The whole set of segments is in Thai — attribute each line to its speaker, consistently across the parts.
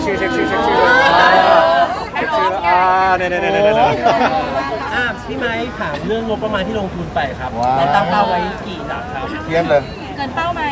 Speaker 1: ชื่อเนี่ย
Speaker 2: พี่ไม้ถามเรื่องงบประมาณที่ลงทุนไปครับ
Speaker 3: ว้าว
Speaker 2: เราตั้งเป้าไว้กี่หลักครับ
Speaker 3: เทียบเลย
Speaker 4: เกินเป้าไหม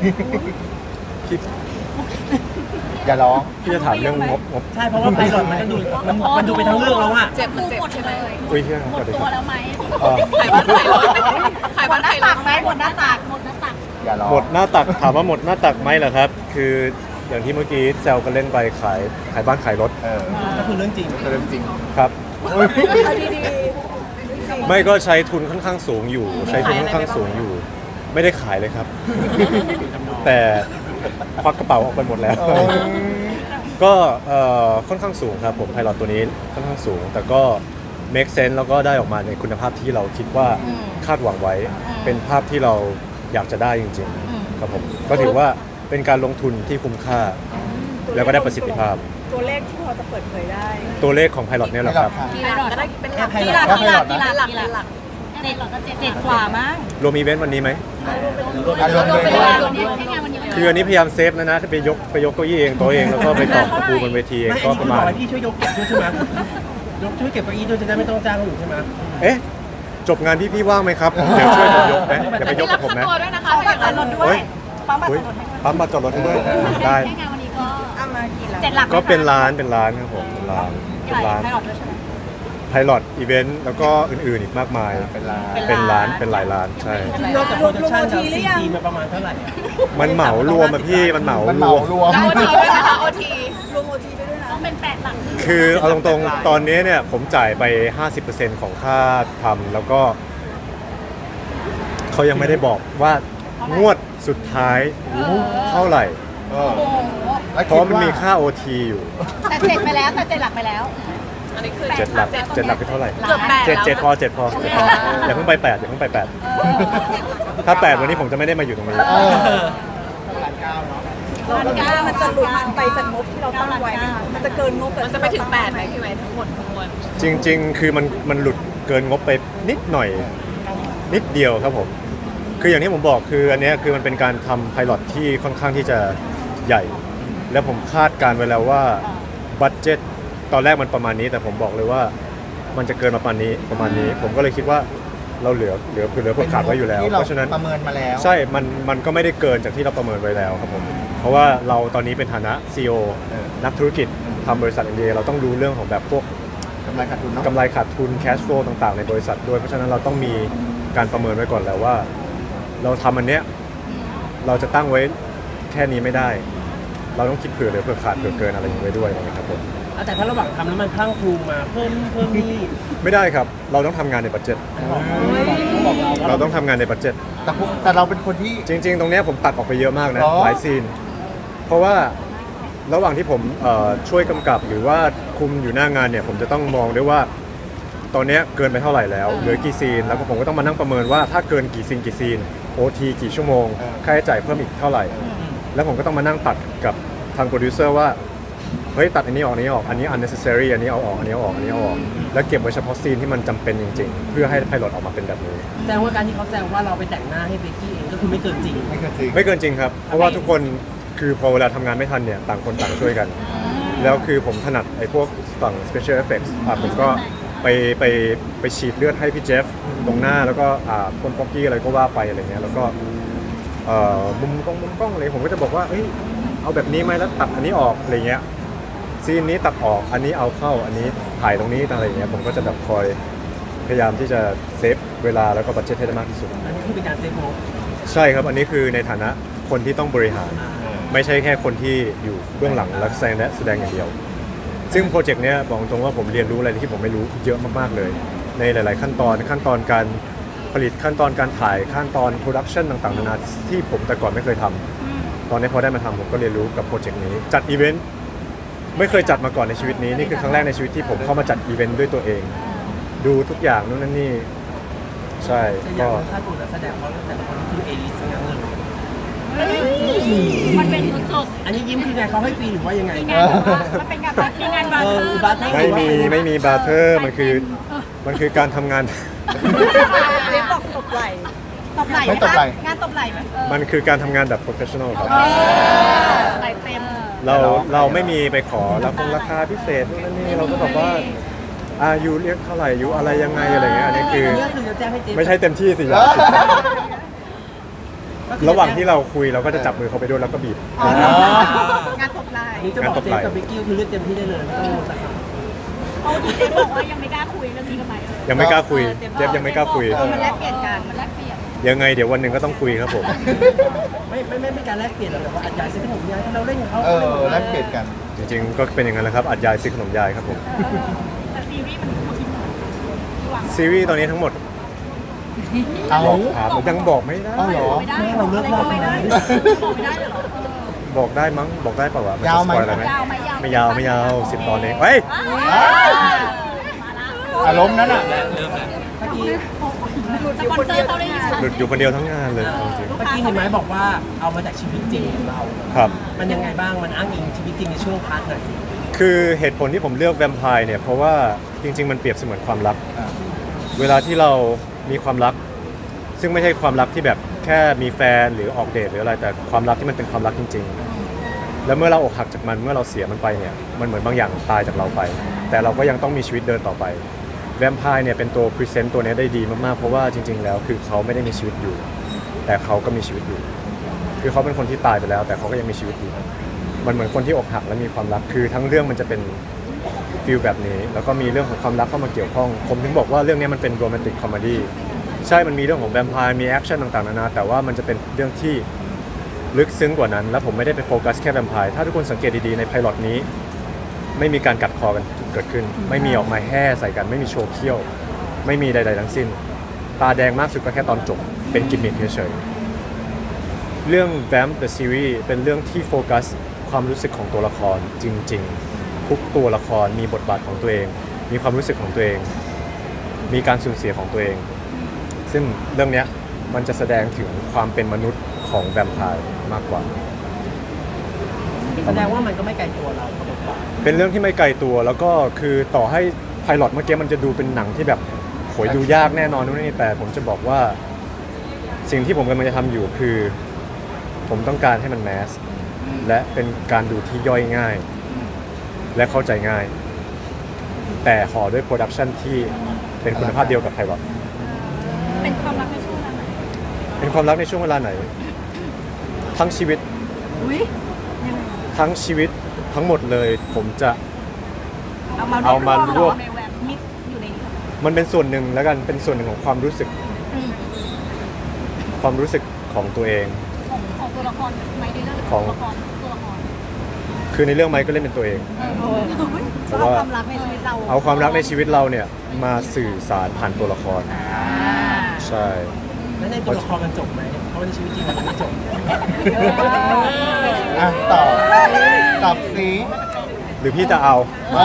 Speaker 3: อย่าร้อง
Speaker 1: พี่จะถามเรื่องงบ
Speaker 2: ใช่เพราะว่าไพลอตมันก็ดูมันดูไปทั้งเรื่องแล้วอะ
Speaker 4: เจ็บหมดใช่ไหม
Speaker 1: อุ้ยเชื่อ
Speaker 4: หม
Speaker 1: สวั
Speaker 4: ด
Speaker 1: สดี
Speaker 4: ตั
Speaker 1: คว รับ
Speaker 4: แล้วไหม
Speaker 1: เอ่อ
Speaker 4: ขายบ้านขายรถไหมหมดหน้าตักหมดหน้าตัก
Speaker 3: อย่าร้อง
Speaker 1: หมดหน้าตักถามว่าหมดหน้าตักไหมเหรอครับ คืออย่างที่เมื่อกี้แซวกันเล่นไปขายบ้านขายรถ
Speaker 2: ก็คือเรื่องจริง
Speaker 3: เรื่องจริง
Speaker 1: ครับ
Speaker 4: เอาดี
Speaker 1: ไม่ก็ใช้ทุนค่อนข้างสูงอยู่ ใช้ทุนค่อนข้างสูงอยู่ ไม่ได้ขายเลยครับ แต่ควักกระเป๋าออกไปหมดแล้ว ก็ค่อนข้างสูงครับผมไพลอตตัวนี้ค่อนข้างสูง แต่ก็ make sense แล้วก็ได้ออกมาในคุณภาพที่เราคิดว่าคาดหวังไว้ เป็นภาพที่เราอยากจะได้จริงๆครับผมก็ถือว่าเป็นการลงทุนที่คุ้มค่า แล้วก็ได้ประสิทธิภาพ
Speaker 5: ตัวเลขที่พอจะเปิดเผยได้
Speaker 1: ตัวเลขของไพลอตเนี่ยแหละครับ
Speaker 4: ๆกี่หลักก็ได้เป็นหลัก
Speaker 2: แค่
Speaker 4: กี่
Speaker 2: ไพ
Speaker 4: ห
Speaker 2: ล
Speaker 4: ลั
Speaker 2: อก ต
Speaker 4: กี่หลักกี่หลักกี่หลักเจ็ดหลักก็เจ็ดกว่ามั้ง
Speaker 1: รวมอีเวนต์วันนี้ไหม
Speaker 3: รวม
Speaker 4: รวม
Speaker 3: เล
Speaker 4: เป็น
Speaker 3: ย
Speaker 4: รายรวมแค่งานวันนี้
Speaker 1: คืออันนี้พยายามเซฟนะถ้าไปยกเก้าอี้เองตัวเองแล้วก็ไปต่อกระปูบนเวทีเอง
Speaker 2: ไม่
Speaker 1: ก็
Speaker 2: อันนี้
Speaker 1: ป
Speaker 2: คื
Speaker 1: ระ
Speaker 2: อ
Speaker 1: มา
Speaker 2: บอ
Speaker 1: ณ
Speaker 2: กให้พี่ช่วยยกเก็บด้วยใช่ไหมช่วยเก็บเก้าอี้ด้วยจะได้ไม่ต้องจ้างหนูใช่ไหม
Speaker 1: เอ๊ะจบงานพี่ว่างไหมครับ เดี๋ยวช่วยผมยกไหมอย่าไปยกกับผมนะ
Speaker 4: ตัวด้วยนะคะบัตรจอดรถด้วยปั๊มบัตรจ
Speaker 1: อุ๊
Speaker 4: อย ดรถให้
Speaker 1: ปั๊มบัตรจอดรถให้ด้วยได้
Speaker 4: แค่งานวันนี้ก็
Speaker 5: เอามากี่หลัก
Speaker 4: เจ็ดหลัก
Speaker 1: ก็เป็นร้านครับผมเป็นร้าน
Speaker 4: ใหญ่ให้หลอดด้วยใช่ไหม
Speaker 1: ไพลอตอีเวนต์แล้วก็อื่นๆอีกมากมาย
Speaker 3: เป็นลา
Speaker 1: เป็นร้านเป็นหลายร้านใช่
Speaker 2: นอกจากโปรดักชั่นแล้วซีจีมาประมาณเท่าไหร่อะ
Speaker 1: มันเหมารวมอะพี่มันเหมาร
Speaker 3: มันเหมาว
Speaker 1: ม
Speaker 3: รวม
Speaker 4: แล้วโอทีด้วยนะคะโอที
Speaker 5: รวมโอทีไปด้วยนะ
Speaker 4: ต้องเป็นแปดหลัก
Speaker 1: คือเอาตรงๆตอนนี้เนี่ยผมจ่ายไป 50%ของค่าทำแล้วก็เขายังไม่ได้บอกว่างวดสุดท้ายเท่าไหร่
Speaker 3: เออ
Speaker 4: โอ้โห
Speaker 3: แล้ว
Speaker 1: เพ
Speaker 3: คิด
Speaker 1: ราะมัน
Speaker 3: ว่า
Speaker 1: มีค่า OT อยู่
Speaker 4: แต่เจ็ดไปแล้วแต่เจ็ดหลักไปแล้ว
Speaker 5: อันนี้คือ
Speaker 1: เจ็ดหลักเป็นเท่าไหร่
Speaker 4: เกือบแปด
Speaker 1: เจ็ดพออย่าเพิ่งไป8อย่าเพิ่งไป8ถ้า8วันนี้ผมจะไม่ได้มาอยู่ตรงนี้
Speaker 3: เออ
Speaker 5: เราคิดว่ามันจะหลุดไปจากงบที่เราตั้งไว้ไหมคะมันจะเกินงบ
Speaker 4: มันจะไปถึงแปดไหมพี่ไว้ทั้งหมดทั้งมวล
Speaker 1: จริงๆ คือมันหลุดเกินงบไปนิดหน่อยนิดเดียวครับผม คืออย่างที่ผมบอกคืออันเนี้ยคือมันเป็นการทำไพลอตที่ค่อนข้างที่จะใหญ่ แล้วผมคาดการไว้แล้วว่าบัตเจ็ตตอนแรกมันประมาณนี้ แต่ผมบอกเลยว่ามันจะเกินประมาณนี้ผมก็เลยคิดว่าเราเหลือเพื่อขาดไว้อยู่แล้ว
Speaker 3: ที่
Speaker 1: เพราะฉะนั้น
Speaker 3: ประเมินมาแล้ว
Speaker 1: ใช่มันก็ไม่ได้เกินจากที่เราประเมินไว้แล้วครับผม เพราะว่าเราตอนนี้เป็นฐานะ CEO นักธุรกิจทำบริษัท MBA เราต้องรู้เรื่องของแบบพวก
Speaker 3: กำไรขาดทุนเนาะ
Speaker 1: กำไรขาดทุน cash flow ต่างๆ ในบริษัทด้วย เพราะฉะนั้นเราต้องมีการประเมินไว้ก่อนแล้วว่า เราทำอันเนี้ยเราจะตั้งไว้แค่นี้ไม่ได้ เราต้องคิดเผื่อเหลือเผื่อขาดเผื่อเกินอะไรอย่างนี้ไว้ด้วยนะครับผม
Speaker 2: แต่ถ้าระหว่างทำแล้วมันพลั่งพลูมาเพิ่มนี่
Speaker 1: ไม่ได้ครับ เราต้องทำงานในบัตเจ็ต
Speaker 2: บอกเราว่า
Speaker 1: เราต้องทำงานในบัตเจ็ต
Speaker 3: แต่เราเป็นคนที่
Speaker 1: จริงๆ ตรงเนี้ยผมตัดออกไปเยอะมากนะ
Speaker 3: หรอ
Speaker 1: หลายซีน เพราะว่าระหว่างที่ผมช่วยกำกับหรือว่าคุมอยู่หน้างานเนี่ยผมจะต้องมองด้วยว่า ตอนเนี้ยเกินไปเท่าไหร่แล้วเหลือกี่ซีน แล้วก็ผมก็ต้องมานั่งประเมินว่าถ้าเกินกี่ซีนโอทีกี่ชั่วโมงค่าใช้จ่ายเพิ่มอีกเท่าไหร่ แล้วผมก็ต้องมานั่งตัดกับทางโปรดิวเซอร์ว่าเฮ้ยตัดอันนี้ออกอันนี้ออกอันนี้ unnecessary อันนี้เอาออกอันนี้เอาออกอันนี้เอาออกแล้วเก็บไว้เฉพาะซีนที่มันจำเป็นจริงๆ เพื่อให้ไพลอตออกมาเป็นแบบนี้
Speaker 2: แสดงว่าการที่เขาแซวว่าเราไปแต่งหน้าให้เบกกี้เองก็คือไม่เกินจริง
Speaker 3: ไม่เคยจริง
Speaker 1: ไม่เกินจริงครับ เพราะว่าทุกคนคือพอเวลาทำงานไม่ทันเนี่ยต่างคนต่างช่วยกัน แล้วคือผมถนัดไอ้พวกฝั่ง special effects ผมก็ไปฉีดเลือดให้พี่เจฟตรงหน้าแล้วก็คนป๊อกกี้อะไรก็ว่าไปอะไรเงี้ยแล้วก็มุมกล้องอะไรผมก็จะบอกว่าเอ้ยเอาแบบนี้ไหมแล้วตัดอันนี้ออกอะไรเงี้ยซีนนี้ตัดออกอันนี้เอาเข้าอันนี้ถ่ายตรงนี้อะไรเงี้ยผมก็จะแบบคอยพยายามที่จะเซฟเวลาแล้วก็บัดเจ็ตให้ได้มากที่สุด
Speaker 2: อันนี้คือเป็นการเซฟงบ
Speaker 1: ใช่ครับ อันนี้คือในฐานะคนที่ต้องบริหาร ไม่ใช่แค่คนที่อยู่เบื้องหลังและแสดงอย่างเดียว ซึ่งโปรเจกต์เนี้ยบอกตรงว่าผมเรียนรู้อะไรที่ผมไม่รู้เยอะมากๆเลย ในหลาย ๆ ขั้นตอนการผลิตขั้นตอนการถ่ายขั้นตอนโปรดักชันต่างๆนานาที่ผมแต่ก่อนไม่เคยทำตอนนี้พอได้มาทำผมก็เรียนรู้กับโปรเจกต์นี้จัดอีเวนต์ไม่เคยจัดมาก่อนในชีวิตนี้นี่คือครั้งแรกในชีวิตที่ผมเข้ามาจัดอีเวนต์ด้วยตัวเอง ดูทุกอย่างนู่นนั่นนี่ใช่
Speaker 2: แต่อย่า
Speaker 1: ก็
Speaker 2: งค่าตัวนักแสดงเขาแต่ละคนคือเอลิสทั้งนั้นเลย
Speaker 4: มันเป็นสุด
Speaker 2: อันนี้ยิ้มคือไงเขาให้ฟรีหรือว่ายังไง
Speaker 4: ๆงานแบบว่ามันเป็นการแบบมีงานบาร์เทอร์
Speaker 2: บาร์เทอร์
Speaker 1: ไม่มีบาร์เทอร์มันคือการทำงาน
Speaker 5: เจ๊บอกตบไหล
Speaker 4: ตบไหล่
Speaker 3: ไม่ตบไหล่
Speaker 4: งานตบไหล่ไหม
Speaker 1: มันคือการทำงานแบบ professional ครับ
Speaker 4: ไหล่เต็ม
Speaker 1: เราไม่มีไปขอราคาพิเศษนู่นนั่นนี่เราก็แบบว่ายูเรียกเท่าไหร่ยูอะไรยังไงอะไรเงี้ยอันนี้คือ
Speaker 2: นี่ก็คือจะแจ้งให้เจ๊
Speaker 1: ไม่ใช่เต็มที่สิระหว่างที่เราคุยเราก็จะจับมือเขาไปด้วยแล้วก็บีบ
Speaker 4: งานตบไหล่
Speaker 2: นี่จะบอกเจ๊กับเบกกี้คือเลือกเต็มที่ได้เลยไม่ต้องราคา
Speaker 4: เขาดีเจบอกว่ายังไม่กล้าคุยเรื่องนี้กับไหม
Speaker 1: ยังไม่กล้าคุยเดฟยังไม่กล้าคุย
Speaker 4: มันแลกเปลี่ยนกันมันแลกเปลี่ยน
Speaker 1: ยังไงเดี๋ยววันหนึ่งก็ต้องคุยครับผม
Speaker 2: ไม่การแลกเปลี่ยนหรอกแต่ว่าอาจารย์ซื้อขนมยายถ้าเราเล่นกับเขา
Speaker 3: แลกเปลี่ยนกัน
Speaker 1: จริงๆก็เป็นอย่างนั้นแหละครับอัดยายซื้อขนมยายครับผม
Speaker 4: แต่ซีรีส์มันคิดหวัง
Speaker 1: ซีรีส์ตอนนี้ทั้งหมด
Speaker 3: เอา
Speaker 1: บอกถามยังบอกไม่ได้
Speaker 3: เอาเหรอ
Speaker 4: ไม่ได้
Speaker 2: เราเลิกรอบ
Speaker 4: ไม่
Speaker 2: ไหม
Speaker 4: ได้บอกไม่ได้เลยเหรอ
Speaker 1: บอกได้มั้งบอกได้เปล่าวะนจะ
Speaker 3: ยาวไหม
Speaker 1: สปอยอะไรไหม
Speaker 4: ยาวไหม
Speaker 1: ไม่ยาวไม่ยาว10 ตอนเองเฮ้ย
Speaker 3: อารมณ์นั้นอ่ะ
Speaker 2: เมื่อกี้
Speaker 4: สปอนเซอร์เขาได้ยิน
Speaker 1: หลุดอยู่คนเดียวทั้งงานเลยเอาจริง
Speaker 2: เมื่อกี้เห็นไหมบอกว่าเอามาจากชีวิตจริงของเรา
Speaker 1: ครับ
Speaker 2: มันยังไงบ้างมันอ้างอิงชีวิตจริงในช่วงพาร์ทไหน
Speaker 1: คือเหตุผลที่ผมเลือกแวมไพร์เนี่ยเพราะว่าจริง ๆ มันเปรียบเสมือนความรัก เวลาที่เรามีความรัก ซึ่งไม่ใช่ความรักที่แบบแค่มีแฟนหรือออกเดทหรืออะไรแต่ความรักที่มันเป็นความรักจริง ๆ แล้วเมื่อเราอกหักจากมันเมื่อเราเสียมันไปเนี่ยมันเหมือนบางอย่างตายจากเราไป แต่เราก็ยังต้องมีชีวิตเดินต่อไปแวมไพร์เนี่ยเป็นตัวพรีเซนต์ตัวนี้ได้ดีมากๆเพราะว่าจริง ๆ แล้วคือเขาไม่ได้มีชีวิตอยู่ แต่เขาก็มีชีวิตอยู่ คือเขาเป็นคนที่ตายไปแล้ว แต่เขาก็ยังมีชีวิตอยู่มันเหมือนคนที่อกหักและมีความรักคือทั้งเรื่องมันจะเป็นฟีลแบบนี้แล้วก็มีเรื่องของความรักเข้ามาเกี่ยวข้องผมถึงบอกว่าเรื่องนี้มันเป็นโรแมนติกคอมเมดี้ใช่มันมีเรื่องของแวมไพร์มีแอคชั่นต่างๆนานาแต่ว่ามันจะเป็นเรื่องที่ลึกซึ้งกว่านั้นแล้วผมไม่ได้ไปโฟกัสแค่แวมไพร์ถ้าทุกคนสังเกตดีๆในไพลอตนี้ไม่มีการกัดคอกันเกิดขึ้นไม่มีออกมาแห่ใส่กันไม่มีโชว์เขี้ยวไม่มีใดๆทั้งสิ้นตาแดงมากสุดก็แค่ตอนจบเป็นกิมมิคเฉยๆเรื่อง Vamp the Series เป็นเรื่องที่โฟกัสความรู้สึกของตัวละครจริงๆทุกตัวละครมีบทบาทของตัวเองมีความรู้สึกของตัวเองมีการสูญเสียของตัวเองซึ่งเรื่องเนี้ยมันจะแสดงถึงความเป็นมนุษย์ของแวมไพร์มากกว่า
Speaker 2: แสดงว่ามันก็ไม่ไกลตัวเราเขาบอกว่า
Speaker 1: เป็นเรื่องที่ไม่ไกลตัวแล้วก็คือต่อให้ไพลอตเมื่อกี้มันจะดูเป็นหนังที่แบบโหยดูยากแน่นอนนู่นนี่แต่ผมจะบอกว่าสิ่งที่ผมกำลังจะทำอยู่คือ ผมต้องการให้มันแมสและเป็นการดูที่ย่อยง่าย และเข้าใจง่าย แต่ห่อด้วยโปรดักชันที่เป็นคุณภาพเดียวกับไพลอต
Speaker 4: เป็นความรักในช่วงเวลาไหน
Speaker 1: เป็นความรักในช่วงเวลาไหน ทั้งชีวิต
Speaker 4: อุ้ย
Speaker 1: ทั้งชีวิตทั้งหมดเลย ผมจะ
Speaker 4: เอามารวบ
Speaker 1: รวบ
Speaker 4: ในแวบมิกซ์อยู่ในนี้
Speaker 1: มันเป็นส่วนหนึ่งแล้วกันเป็นส่วนหนึ่งของความรู้สึก ความรู้สึกของตัวเอง
Speaker 4: ของตัวละครไหมในเรื่อง
Speaker 1: ของ
Speaker 4: ตัวละคร
Speaker 1: คือในเรื่องไมค์ก็เล่นเป็นตัวเอง เพราะว่า
Speaker 4: ความรักในชีวิตเรา
Speaker 1: เอาความรักในชีวิตเราเนี่ยมาสื่อสารผ่านตัวละคร ใช่
Speaker 2: แล้วในตัวละครมันจบไหมเพราะว่าในชีวิตจริงมันไม่จบ
Speaker 3: ตอบสิ
Speaker 1: หรือพี่จะเอา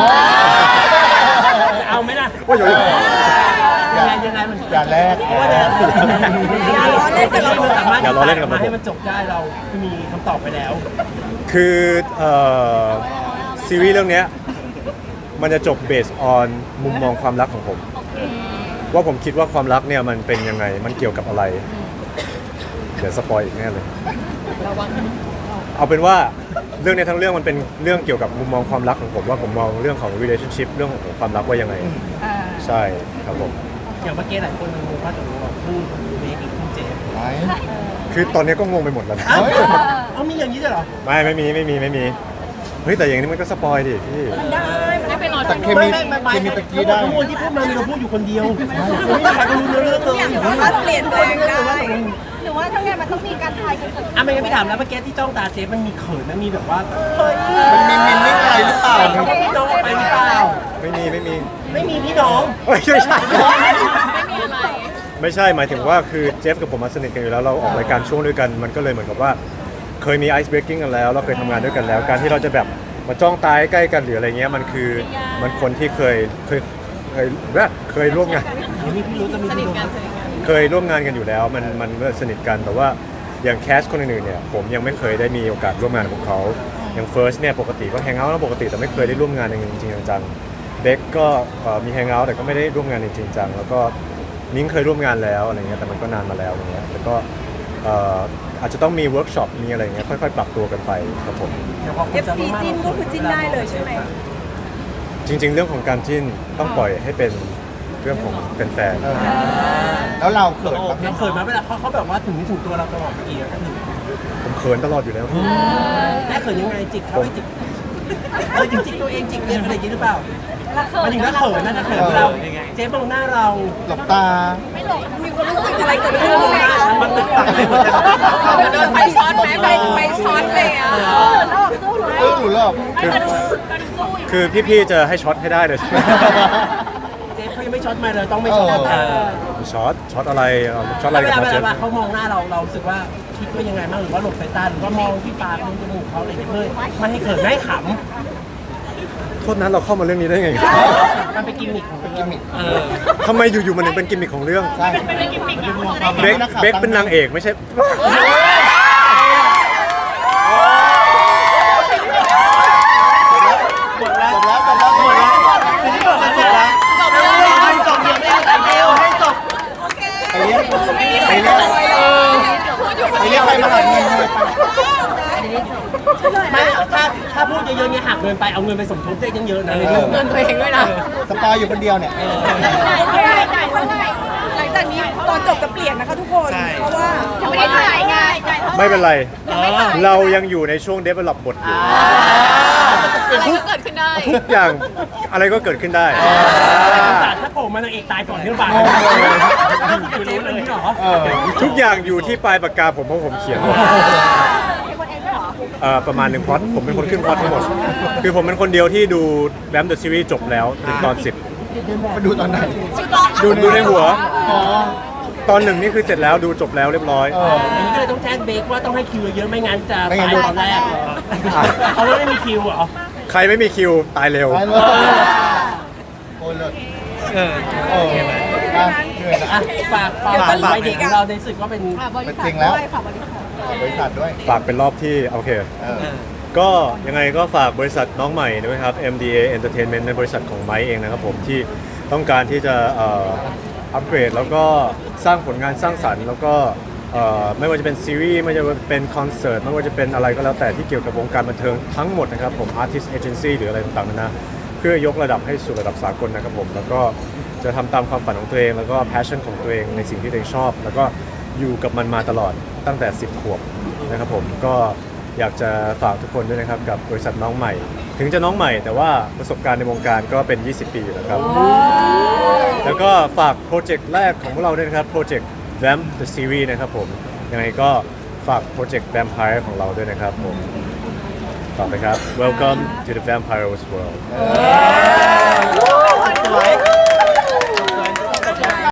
Speaker 2: จะเอาไหมล่ะ
Speaker 1: ว่าอยู่
Speaker 2: ยังไงมัน
Speaker 3: อย่าแลก
Speaker 2: เพราะว่าอย่าล้อเล่นกับเราสามารถ
Speaker 1: อย่าล้อเล่นกับผม
Speaker 2: ให้มันจบได้เรามีคำตอบไปแล้ว
Speaker 1: คือซีรีส์เรื่องเนี้ยมันจะจบเบสออนมุมมองความรักของผม ว่าผมคิดว่าความรักเนี่ยมันเป็นยังไงมันเกี่ยวกับอะไร เดี๋ยวสปอยอีกแน่เลย เอาเป็นว่าเรื่องนี้ทั้งเรื่องมันเป็นเรื่องเกี่ยวกับมุมมองความรักของผมว่าผมมองเรื่องของ relationship เรื่องของความรักว่ายังไง ใช่ครับผม
Speaker 2: อย่างเมื่อกี้หลายคนงงว่าตกลงเราคู่เมคหรือคู่เจฟ
Speaker 3: ไหม
Speaker 1: คือตอนนี้ก็งงไปหมดแล้วนะ
Speaker 2: เอ้า
Speaker 3: เฮ้ย
Speaker 2: เอามีอย่างนี้ด้วยเหรอ
Speaker 1: ไม่มีเฮ้ยแต่อย่างนี้มันก็สปอยดิพี่
Speaker 4: ได้ไปรอ
Speaker 3: แต่เคมีเคมีตะกี้ได้
Speaker 2: ทั้งหมดที่พูดมามีเราพูดอยู่คนเดียวไม่มีใครก็รู้เรื่องเลย
Speaker 5: สามารถเปลี่ยนแปลงได้
Speaker 4: หรือว่าถ้าไงมันต้องมีการทายกันเกิดขึ้น
Speaker 2: อ่ะไม่งั้นพี่ถามแล้วเมื่อกี้ที่จ้องตาเจฟมันมีเขินมันมีแบบว่าเฮ้ย
Speaker 3: มันมีมินไม่ไกลหรือเปล่า
Speaker 2: พี่น้องออกไปหรือเปล่า
Speaker 1: ไม่มี
Speaker 2: ไม่มีพี่น้อง
Speaker 1: เฮ้ยไม่ใช่
Speaker 4: ไม่มีอะไร
Speaker 1: ไม่ใช่หมายถึงว่าคือเจฟกับผมมาสนิทกันอยู่แล้วเราออกรายการช่วงด้วยกันมันก็เลยเหมือนกับว่าเคยมีไอซ์เบรกกิ้งกันแล้วเราเคยทำงานด้วยกันแล้ว การที่เราจะแบบมาจ้องตายใกล้กันหรืออะไรเงี้ยมันคือมันคนที่เคยร่วมงาน
Speaker 2: มีพี่รู้จะมีพี่รู้
Speaker 1: เคยร่วมงานกันอยู่แล้วมันสนิทกันแต่ว่าอย่างแคสคนอื่นๆเนี่ยผมยังไม่เคยได้มีโอกาสร่วมงานกับเขาอย่างเฟิร์สเนี่ยปกติก็แฮงเอาท์ปกติแต่ไม่เคยได้ร่วมงานจริงๆจังๆเด็กก็มีแฮงเอาท์แต่ก็ไม่ได้ร่วมงานจริงๆจังแล้วก็นิ้งเคยร่วมงานแล้วอะไรเงี้ยแต่มันก็นานมาแล้วอะไรเงี้ยแล้วก็อาจจะต้องมีเวิร์กช็อปมีอะไรเงี้ยค่อยๆ ปรับตัวกันไปครับผม
Speaker 5: FC จิ้นก็คือจิ้นได้เลยใช่ไหม
Speaker 1: จริง ๆ เรื่องของการจิ้นต้องปล่อยให้เป็นเรื่องของแฟน
Speaker 3: แล้วเราเขินปะ
Speaker 2: เราเขินมาเวลาเขาแบบว่าถึงนี่ถึงตัวเราตลอดเมื่อกี้ก็คือ
Speaker 1: ๆผมเขินตลอดอยู่แล้ว
Speaker 2: แม่เขินยังไงจิกเขาให้จิกจิกตัวเองจิกเรียนอะไรอย่างนี้หรือเปล่ามันถึงน่าเขินน่าจะเขินเราเจ๊มองหน้าเรา
Speaker 3: หลบตา
Speaker 5: มีความรู้สึกอะไรเกิดขึ้นไหม
Speaker 2: มันตึกตักเลยหมดเลย
Speaker 4: โดนไฟช็อตไหมไฟช็อตเลยอ่ะ
Speaker 3: หนูหลบ
Speaker 1: คือพี่ๆจะให้ช็อตให้ได้เลย
Speaker 2: เจ๊เขายังไม่ช็อตมาเลยต้องไม่ช็อต
Speaker 1: ช็อตอะไรช็อตอะไร
Speaker 2: เว
Speaker 1: กับ
Speaker 2: ลา
Speaker 1: มาเจฟ
Speaker 2: เขามองหน้าเรารู้สึกว่าคิดว่ายังไงบ้างหรือว่าหลบสายตาหรือว่ามองที่ปากมองจมูกเขาอะไรอย่างเงี้ยเพื่อไม่ให้เขินไม่ให้ข
Speaker 1: โทษนะเราเข้ามาเรื่องนี้ได้ไง
Speaker 2: ำมันเป็นกิมมิคของกิมมิค
Speaker 1: ทำไมอยู่ๆมันถึงเป็นกิมมิคของเรื่อง
Speaker 3: ใช่
Speaker 1: เบคเป็นนางเอกไม่ใช่
Speaker 3: จบแล้วจบแล้วทีนี้บอกแล้วจบแล้วให้จบยังไม่ได้เดียวให้จบไปเรียกไปเรียกไปเรียกใครมาหาเงินเลย
Speaker 2: ไม่ถ้าพูดเยอะๆเนี่ยหักเงินไปเอาเงินไปสมทบได้เยอะๆนะในเรื่อง
Speaker 4: เงินตัวเองด้วยนะ
Speaker 3: สปอยอยู่คนเดียวเนี่ย
Speaker 5: หลังจากนี้ตอนจบจะเปลี่ยนนะคะทุกคน เพราะว่า
Speaker 4: ไม่ได้ถ่ายไง
Speaker 1: ไม่เป็นไร เรายังอยู่ในช่วง develop บทอยู่
Speaker 4: อะไรก็เกิดขึ้นได้
Speaker 1: ทุกอย่างอะไรก็เกิดขึ้นได้
Speaker 2: ศาสตร์ถ้าโผล่มานางเอกตายก่อนเรื่องบาทเจ๊เป็นที่หรอ
Speaker 1: ทุกอย่างอยู่ที่ปลายปากกาผมเพราะผมเขียนหมดประมาณหนึ่งพล็อตผมเป็นคนขึ้นพล็อตทั้งหมด คือผมเป็นคนเดียวที่ดูแบมเดอะซีรีส์จบแล้วถึงตอน
Speaker 3: มาดูตอนไหน
Speaker 1: 10ดูในหัว ตอนหนึ่งนี่คือเสร็จแล้วดูจบแล้วเรียบร้อย
Speaker 2: อันนี้ก็เลยต้องแจ้งเบคว่าต้องให้คิวเยอะไม่งั้นจะตายตอนแรกเขาไม่มีคิวเหรอ
Speaker 1: ใครไม่มีคิวตายเร็ว
Speaker 3: ไปเลยโอ้ยเลยโอ้ยเหนื่อยนะ
Speaker 2: อ่ะฝากวัยเด็กของเราในสึกก็เป็น
Speaker 3: เป็นจริงแล้วบริษัทด้วย
Speaker 1: ฝากเป็นรอบที่โอเค ก็ยังไงก็ฝากบริษัทน้องใหม่ด้วยครับ MDA Entertainment ในบริษัทของไม้เองนะครับผมที่ต้องการที่จะอัปเกรดแล้วก็สร้างผลงานสร้างสรรค์แล้วก็ไม่ว่าจะเป็นซีรีส์ไม่ว่าจะเป็นคอนเสิร์ตไม่ว่าจะเป็นอะไรก็แล้วแต่ที่เกี่ยวกับวงการบันเทิงทั้งหมดนะครับผม Artist Agency หรืออะไรต่างๆนานาเพื่อยกระดับให้สู่ระดับสากลนะครับผมแล้วก็จะทำตามความฝันของตัวเองแล้วก็ passion ของตัวเองในสิ่งที่ตัวเองชอบ แล้วก็อยู่กับมันมาตลอดตั้งแต่ 10 ขวบนะครับผมก็อยากจะฝากทุกคนด้วยนะครับกับบริษัทน้องใหม่ ถึงจะน้องใหม่แต่ว่าประสบการณ์ในวงการก็เป็น 20 ปีอยู่แล้วครับ แล้วก็ฝากโปรเจกต์แรกของพวกเราด้วยนะครับโปรเจกต์ Vamp the Series นะครับผมยังไงก็ฝากโปรเจกต์ Vampire ของเราด้วยนะครับผมฝากไปครับ Welcome to the Vampire's World